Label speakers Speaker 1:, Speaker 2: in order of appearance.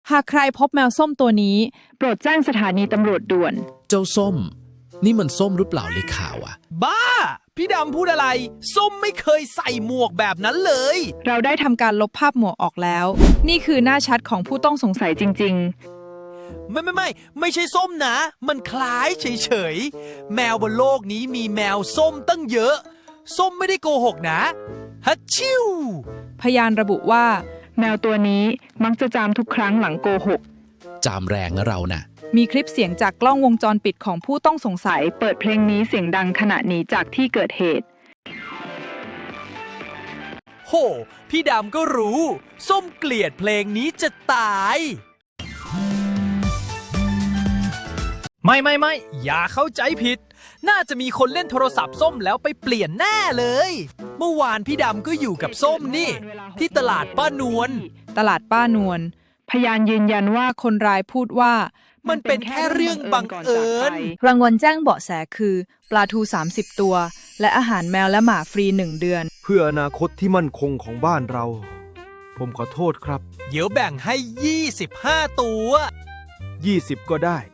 Speaker 1: หากใครพบแมวส้มตัวนี้โปรดแจ้งสถานีตำรวจด่วน
Speaker 2: เจ้าส้มนี่มันส้มหรือเปล่าในข่าวอะ
Speaker 3: บ้าพี่ดำพูดอะไรส้มไม่เคยใส่หมวกแบบนั้นเลย
Speaker 1: เราได้ทำการลบภาพหมวกออกแล้วนี่คือหน้าชัดของผู้ต้องสงสัยจริง
Speaker 3: ไม่ใช่ส้มนะมันคล้ายเฉยๆแมวบนโลกนี้มีแมวส้มตั้งเยอะส้มไม่ได้โกหกนะฮัชชิว
Speaker 1: พยานระบุว่าแมวตัวนี้มักจะจามทุกครั้งหลังโกหก
Speaker 2: จามแรงนะเราน่ะ
Speaker 1: มีคลิปเสียงจากกล้องวงจรปิดของผู้ต้องสงสัยเปิดเพลงนี้เสียงดังขณะหนีจากที่เกิดเหตุ
Speaker 3: โหพี่ดำก็รู้ส้มเกลียดเพลงนี้จะตายไม่อย่าเข้าใจผิดน่าจะมีคนเล่นโทรศัพท์ส้มแล้วไปเปลี่ยนแน่เลยเมื่อวานพี่ดำก็อยู่กับส้มนี่ที่ตลาดป้านวล
Speaker 1: ตลาดป้านวลพยานยืนยันว่าคนร้ายพูดว่า
Speaker 3: มันเป็นแค่เรื่องบังเอิญ
Speaker 1: รางวัลแจ้งเบาะแสคือปลาทู30ตัวและอาหารแมวและหมาฟรี1เดือน
Speaker 4: เพื่ออนาคตที่มั่นคงของบ้านเราผมขอโทษครับ
Speaker 3: เดี๋ยวแบ่งให้25ตัว
Speaker 4: 20ก็ได้